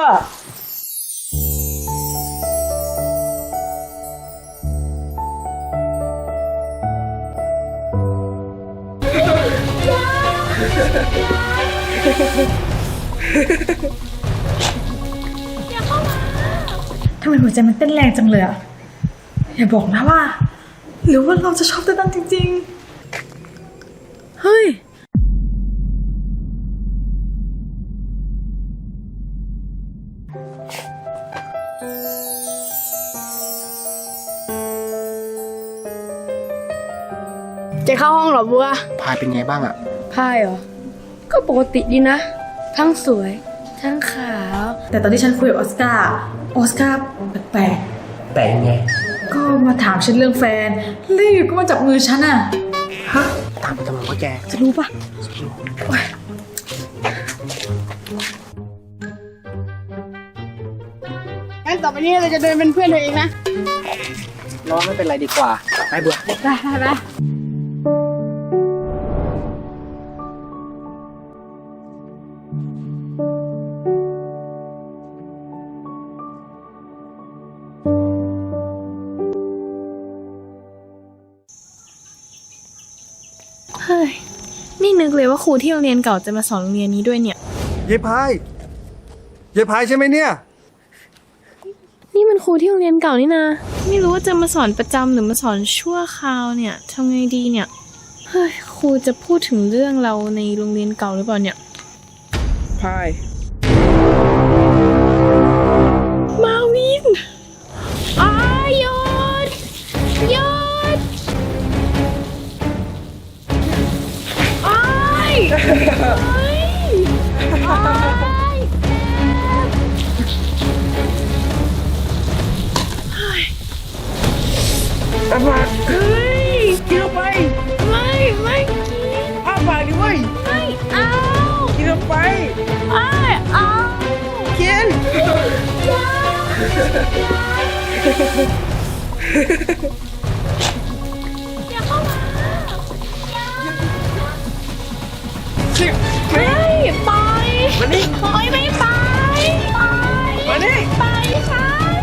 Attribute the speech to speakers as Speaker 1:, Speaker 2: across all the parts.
Speaker 1: อย่าเข้ามา
Speaker 2: ทำไมหัวใจมันเต้นแรงจังเลยอะอย่าบอกนะว่าหรือว่าเราจะชอบเต้นตั้งจริงๆเฮ้ย
Speaker 1: จะเข้าห้องเหรอบัว
Speaker 3: พายเป็นไงบ้างอะ
Speaker 1: พายเหรอก็ปกติดีนะทั้งสวยทั้งขาว
Speaker 2: แต่ตอนที่ฉันคุยกับออสการ์แปลก
Speaker 3: แต่ยังไง
Speaker 2: ๆก็มาถามฉันเรื่องแฟนแล้วอยู่ก็มาจับมือฉันอะฮะ
Speaker 3: ตามไปทำไมวะแก
Speaker 2: จะรู้ปะ
Speaker 1: งั้นต่อไปนี้เราจะเดินเป็นเพื่อนเธอเองนะ
Speaker 3: ร้องไม่เป็นไรดีกว่าไปบัว
Speaker 1: ไปเฮ้ยนี่นึกเลยว่าครูที่โรงเรียนเก่าจะมาสอนโรงเรียนนี้ด้วยเนี่ย
Speaker 4: ยายพายใช่ไหมเนี่ย
Speaker 1: นี่มันครูที่โรงเรียนเก่านี่นะไม่รู้ว่าจะมาสอนประจำหรือมาสอนชั่วคราวเนี่ยทำไงดีเนี่ยเฮ้ยครูจะพูดถึงเรื่องเราในโรงเรียนเก่าหรือเปล่าเนี่ย
Speaker 3: พาย
Speaker 1: มาวินหยุดอ้าย
Speaker 3: อาปาก
Speaker 1: เฮ้ย
Speaker 3: กินลงไป
Speaker 1: ไม่กิน
Speaker 3: อาปากดิเว้ย
Speaker 1: ไม่เอา
Speaker 3: กินลงไป
Speaker 1: เอา
Speaker 3: กิน
Speaker 1: อย่าเข้ามาไม่ไป
Speaker 3: มานี่
Speaker 1: โอ๊ยไม่ไป
Speaker 3: มานี่
Speaker 1: ไปฉัน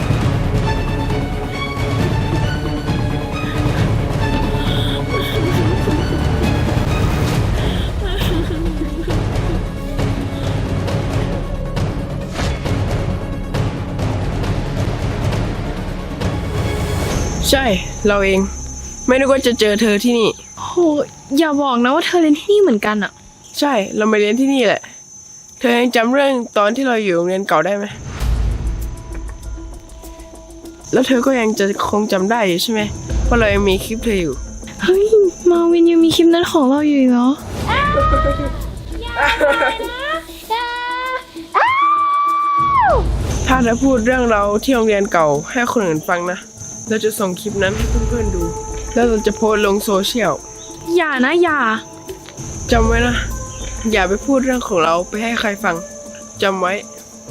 Speaker 5: ใช่เราเองไม่นึกว่าจะเจอเธอที่นี่
Speaker 1: โหอย่าบอกนะว่าเธอเรียนที่นี่เหมือนกันอะ
Speaker 5: ใช่เรามาเรียนที่นี่แหละเธอยังจำเรื่องตอนที่เราอยู่โรงเรียนเก่าได้ไหมแล้วเธอก็ยังจะคงจำได้อยู่ใช่ไหมเพราะเรายังมีคลิปเธออยู่
Speaker 1: เฮ้ยมาวินยังมีคลิปนั้นของเราอยู่เหรอ
Speaker 5: ถ้าเธอพูดเรื่องเราที่โรงเรียนเก่าให้คนอื่นฟังนะเราจะส่งคลิปนั้นให้เพื่อนๆดูแล้วเราจะโพสต์ลงโซเชียล
Speaker 1: อย่านะอย่า
Speaker 5: จำไว้นะอย่าไปพูดเรื่องของเราไปให้ใครฟังจำไว้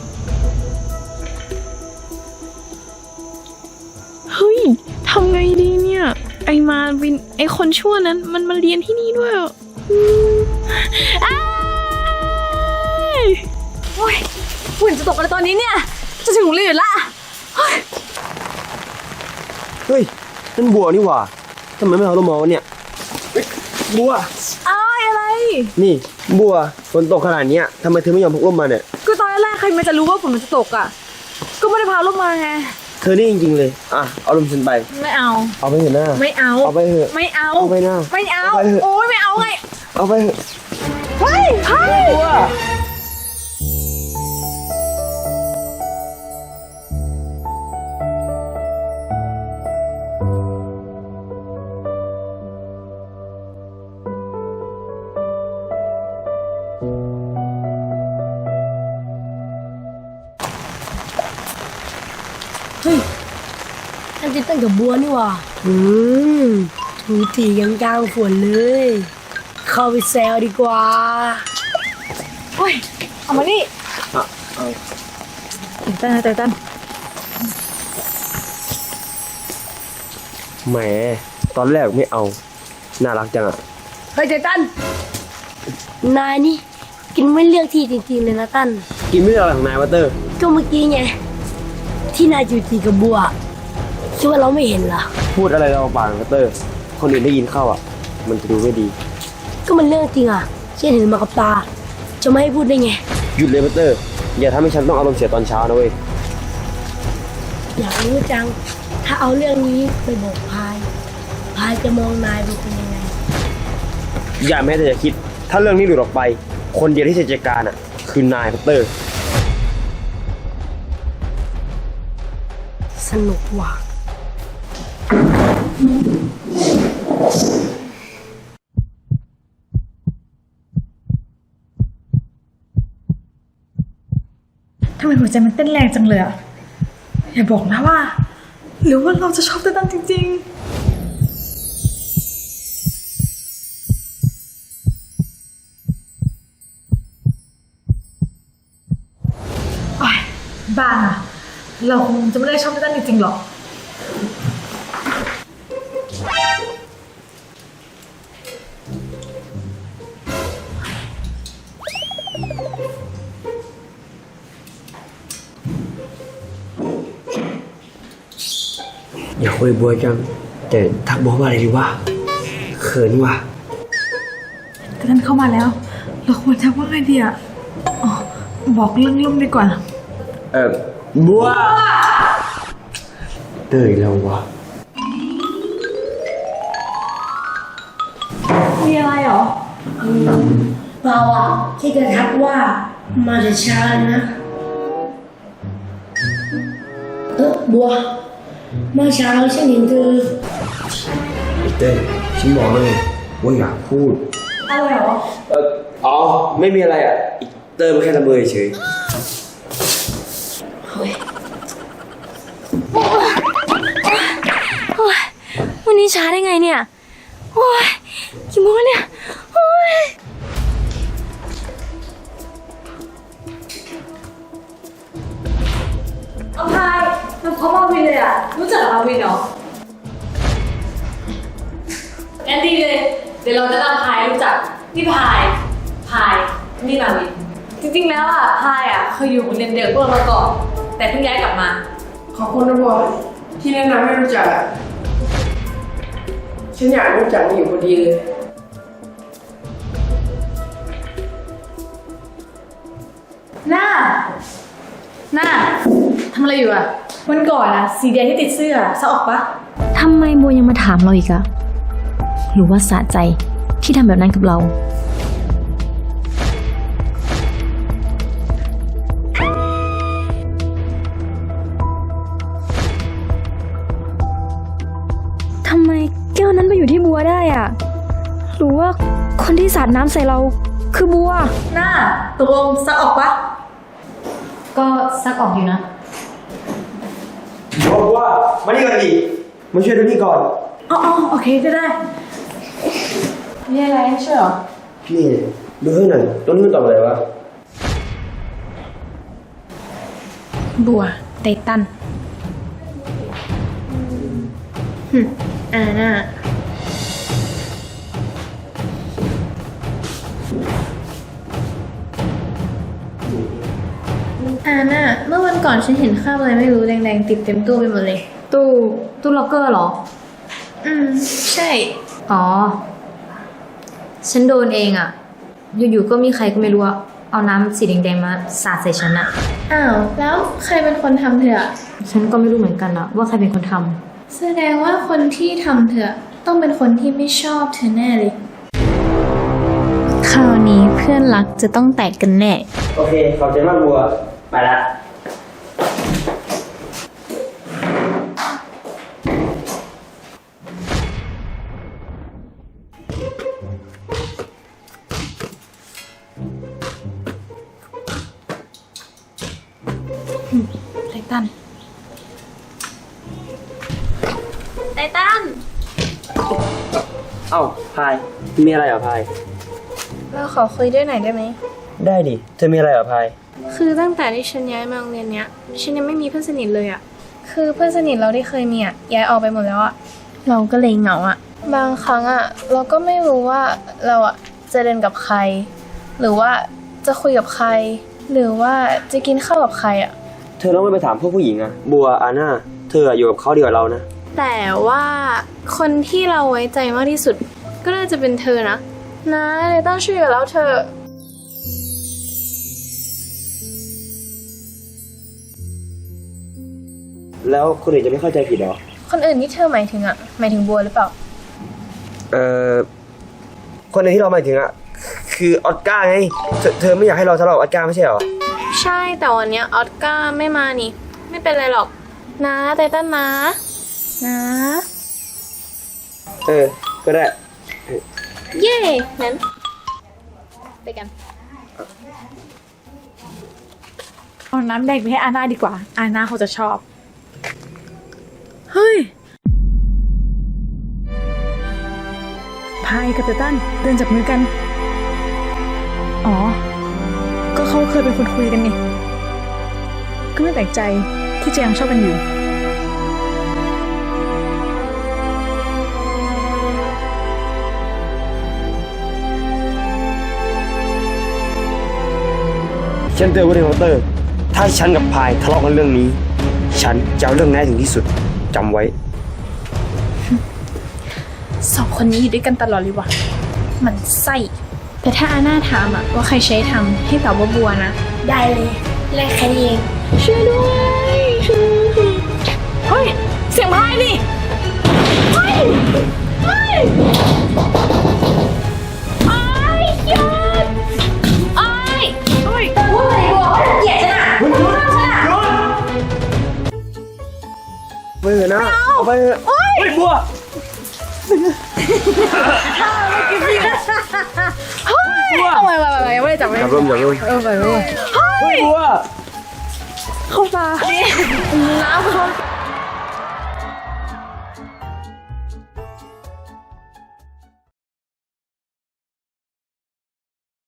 Speaker 1: เฮ้ยทำไงดีเนี่ยไอมาวินไอคนชั่วนั้นมันมาเรียนที่นี่ด้วยอ่ะ
Speaker 2: โอ้ยฝนจะตกอะไรตอนนี้เนี่ยจะถึงโรงเรียนละ
Speaker 4: เฮ้ยนั่นบัวนี่หว่าทำไมไม่เอาลมมาวะเนี่ยบัว
Speaker 2: อะไร
Speaker 4: นี่บัวฝนตกขนาดนี้ทำไมเธอไม่ยอมพกร่มมาเนี่ย
Speaker 2: ก็ตอนแรกใครมันจะรู้ว่าฝนมันจะตกอ่ะก็ไม่ได้พาร่มมาไง
Speaker 4: เธอนี่จริงๆเลยเอาลมฉันไป
Speaker 2: ไม่เอา
Speaker 4: ไปเถอะหน้า
Speaker 2: ไม่เอา
Speaker 4: ไปเถอะ
Speaker 2: ไม่เอา
Speaker 4: ไปหน้า
Speaker 2: ไม่เอาโอ๊ยไม่เอาไง
Speaker 4: เอาไปเถอะ
Speaker 2: เฮ้ย
Speaker 4: บัว
Speaker 6: อันจะตั้งกับบัวนี่หว่าถูถีกันกลางฝนเลย เข้าไปแซวดีกว่า
Speaker 2: โอ้ยเอามานี่เต้น
Speaker 4: แหมตอนแรกไม่เอาน่ารักจังอ่ะ
Speaker 6: เฮ้ยเจตันนายนี่กินไม่เลือกที่จริงๆเลยนะตั้น
Speaker 4: กินไม่ได้อะไรของนายวะเตอร์
Speaker 6: ก็เมื่อกี้ไง ที่นายจูจีกับบัวคิดว่าเราไม่เห็นเหรอ
Speaker 4: พูดอะไรเราปากวะเตอร์ คนอื่นได้ยินเข้าอ่ะ มันจะดูไม่ดี
Speaker 6: ก็มันเรื่องจริงอ่ะเช่นเห็นมากับตา จะไม่ให้พูดได้ไง
Speaker 4: หยุดเลยวะเตอร์ อย่าทำให้ฉันต้องอารมณ์เสียตอนเช้านะเว้ย
Speaker 6: อยากรู้จัง ถ้าเอาเรื่องนี้ไปบอกพาย พายจะมองนายเป็นยังไง
Speaker 4: อย่าแม้แต่จะคิด ถ้าเรื่องนี้หลุดออกไป คนเดียวที่จะจัดการอ่ะ คือนายเตอร์
Speaker 6: สนุกว่ะ
Speaker 2: ทำไมหัวใจมันเต้นแรงจังเลยอะอย่าบอกนะว่า หรือว่าเราจะชอบเต้นจริงๆโอ๊ยบ้าอะเราคงจะไม่ได้ชอบเต้นจริงๆหรอก
Speaker 4: อย่าคุยบัวจัง แต่ทักบัวว่าอะไรดีวะเขินว่ะ
Speaker 2: แต่ท่านเข้ามาแล้ว เราควรทำว่าไงดีอะอ๋อบอกเรื่องลุ่มดีกว่า
Speaker 4: บัวเตยแล้ววะ
Speaker 2: มีอะไรหรอ
Speaker 6: เปล่าอ่ะที่กระทักว่ามาแต่เช้านะ บัวเมื่อเช้าฉันเห็นเธอ
Speaker 4: เต้ยฉันบอกเลยว่าอยากพูด
Speaker 2: อะไรหรอ
Speaker 4: อ๋อ ไม่มีอะไรอ่ะอีเตอร์มันแค่ละเมอเฉย
Speaker 1: วันนี้ช้าได้ไงเนี่ย โอ้ยกี่โมงแล้วเนี่ย โอ้ย
Speaker 2: เอาพายมันพร้อมมาวินเลยอะรู้จักมาวินเหรอ
Speaker 7: งั้นดีเลย เดี๋ยวเราจะนำพายรู้จักนี่พายนี่มาวิน จริงๆแล้วอ่ะพายอ่ะเคยอยู่โรงเรียนเดียวกับพวกเรามาก่อน แต่เพิ่งย้ายกลับมา
Speaker 5: ขอบคุณนะบัวที่แนะนำให้รู้จักอะฉันอยากรู้จักมันอยู่พอดีเลย
Speaker 7: หน้าทำอะไรอยู่อ่ะ
Speaker 2: วันก่อนอะสีแดงที่ติดเสื้อซะออกปะ
Speaker 1: ทำไมโบยังมาถามเราอีกอะหรือว่าสะใจที่ทำแบบนั้นกับเรา ทำไมแก้วนั้นไปอยู่ที่บัวได้อะหรือว่าคนที่สาดน้ำใส่เราคือบัว
Speaker 2: หน้าตกลงซะออกปะ
Speaker 7: ก็ซักออกอยู่นะ
Speaker 4: บัวมานี่ก่อนดิมาช่วยดูนี่ก่อน
Speaker 2: อ๋อโอเคก็ได้
Speaker 7: มีอะไรให้ช่วยหรอ
Speaker 4: นี่ดูให้หน่อยต้นนี้มันตอบอะไรวะ
Speaker 1: บัวไททันอาน่าเมื่อวันก่อนฉันเห็นคราบอะไรไม่รู้แดงๆติดเต็มตู้ไปหมดเลย
Speaker 7: ตู้ล็อกเกอร์เหรอ
Speaker 1: ใช่
Speaker 7: อ๋อ ฉันโดนเองอ่ะ อยู่ๆก็มีใครก็ไม่รู้อะเอาน้ำสีแดงๆมาสาดใส่ฉันอะ
Speaker 1: อ้าว แล้วใครเป็นคนทำเธอ
Speaker 7: ฉันก็ไม่รู้เหมือนกันอะว่าใครเป็นคนทำ
Speaker 1: แสดงว่าคนที่ทำเธอต้องเป็นคนที่ไม่ชอบเธอแน่เลย คราวนี้เพื่อนรักจะต้องแตกกันแน่
Speaker 4: โอเค ขอบใจมากบัว ไปละ
Speaker 1: ไททัน
Speaker 4: เอ้าพาย มีอะไรเหรอพาย
Speaker 1: เราขอคุยด้วยหน่อยได้ไหม
Speaker 4: ได้ดิ เธอมีอะไรเหรอพาย
Speaker 1: คือตั้งแต่ที่ฉันย้ายมาโรงเรียนเนี้ย ฉันยังไม่มีเพื่อนสนิทเลยอะคือเพื่อนสนิทเราที่เคยมีอะย้ายออกไปหมดแล้วอะเราก็เลยเหงาอะบางครั้งอะเราก็ไม่รู้ว่าเราอะจะเดินกับใคร หรือว่าจะคุยกับใครหรือว่าจะกินข้าวกับใครอะ
Speaker 4: เธอต้องไม่ไปถามพวกผู้หญิงอะบัวอาน่าเธออยู่กับเขาดีกว่าเรานะ
Speaker 1: แต่ว่าคนที่เราไว้ใจมากที่สุด ก็น่าจะเป็นเธอนะเลยต้องช่วยกับเราเธอ
Speaker 4: แล้วคนอื่นจะไม่เข้าใจผิดหรอ
Speaker 1: คนอื่นที่เธอหมายถึงอะหมายถึงบัวหรือเปล่า
Speaker 4: คนในที่เราหมายถึงอะคือออสการ์ไงเธอไม่อยากให้เราทะเลาะกับออสการ์ไม่ใช่หรอ
Speaker 1: ใช่แต่วันเนี้ยออสการ์ไม่มานี่ ไม่เป็นไรหรอกนะไตตันนะนะ
Speaker 4: ก็ได้
Speaker 1: เย่งั้นไปกัน
Speaker 2: เอาน้ำแดงไปให้อาน่าดีกว่า อาน่าเขาจะชอบ เฮ้ย พายกับไตตันเดินจับมือกัน อ๋อ ก็เขาเคยเป็นคนคุยกันนี่ ก็ไม่แปลกใจที่จะยังชอบกันอยู่
Speaker 4: ฉันเตือนไว้ในเคาน์เตอร์ ถ้าฉันกับพายทะเลาะกันเรื่องนี้ ฉันจะเอาเรื่องนี้ให้ถึงที่สุดจำไว้
Speaker 1: สองคนนี้อยู่ด้วยกันตลอดเลยว่ะมันไส้แต่ถ้าอาน่าถามอะว่าใครใช้ทำให้ตอบว่าบัวนะ
Speaker 6: ได้เลยแลกแค่นี้เอง
Speaker 1: ช่วยด้วยเฮ้ย เสียงพายนี่เฮ้ยเฮ้ยไอ้ยอดไอ้เฮ้ย
Speaker 6: พูดอะไรบอกว่าเกลียดฉันอ่ะ
Speaker 4: ไปเถอะนะเอาไปเถอะเฮ้ยบัว
Speaker 1: เอาไปยังไม่ได้จับไม่
Speaker 4: อย่าเริ่ม
Speaker 1: ไป
Speaker 4: เฮ้ยบัว
Speaker 2: เข้าตา